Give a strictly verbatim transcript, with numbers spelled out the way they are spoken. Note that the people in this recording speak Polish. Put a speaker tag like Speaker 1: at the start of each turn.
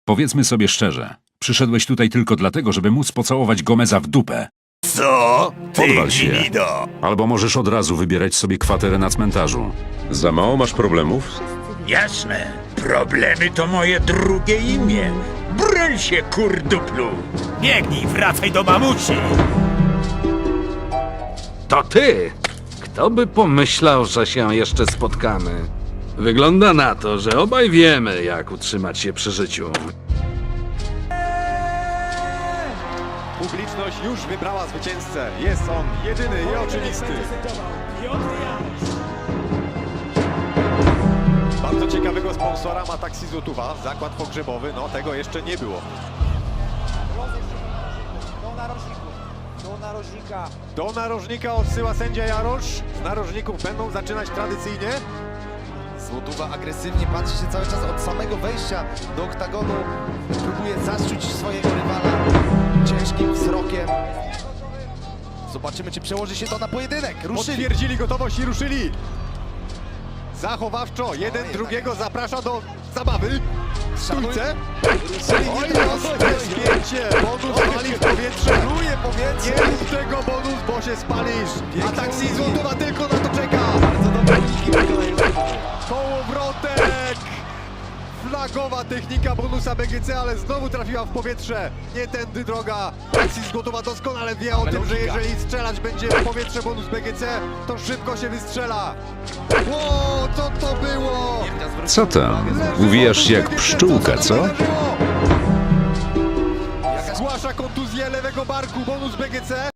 Speaker 1: Powiedzmy sobie szczerze, przyszedłeś tutaj tylko dlatego, żeby móc pocałować Gomeza w dupę.
Speaker 2: Co? Ty
Speaker 1: Podwal się.
Speaker 2: gnido!
Speaker 1: Albo możesz od razu wybierać sobie kwaterę na cmentarzu.
Speaker 3: Za mało masz problemów?
Speaker 2: Jasne. Problemy to moje drugie imię. Broń się, kurduplu!
Speaker 4: Biegnij, wracaj do mamusi!
Speaker 5: To ty! Kto by pomyślał, że się jeszcze spotkamy? Wygląda na to, że obaj wiemy, jak utrzymać się przy życiu.
Speaker 6: Publiczność już wybrała zwycięzcę. Jest on jedyny i oczywisty. Bardzo ciekawego sponsora ma Taksi Złotówa. Zakład pogrzebowy, no tego jeszcze nie było.
Speaker 7: Do narożników, do narożnika.
Speaker 6: Do narożnika odsyła sędzia Jarosz. Z narożników będą zaczynać tradycyjnie.
Speaker 7: Złotówa agresywnie patrzy się cały czas od samego wejścia do oktagonu. Próbuje zaszczuć swojego rywala ciężkim wzrokiem. Zobaczymy, czy przełoży się to na pojedynek. Ruszyli.
Speaker 6: Potwierdzili gotowość i ruszyli. Zachowawczo, jeden drugiego zaprasza do zabawy. W stójce. Oj, bezpiecznie. Bonus pali w powietrze.
Speaker 7: Czuje powietrze.
Speaker 6: Nie rób tego, bonus, bo się spalisz. A Taksi Złotówa tylko na to czeka.
Speaker 7: Bardzo dobre uniki wykonają.
Speaker 6: Kołowrotek! Flagowa technika bonusa B G C, ale znowu trafiła w powietrze. Nie tędy droga. Taksi Złotówa doskonale wie o tym, że jeżeli strzelać będzie w powietrze bonus B G C, to szybko się wystrzela. Ło, co to było?
Speaker 1: Co tam? Uwijasz się jak pszczółka, co?
Speaker 6: Zgłasza kontuzję lewego barku, bonus B G C.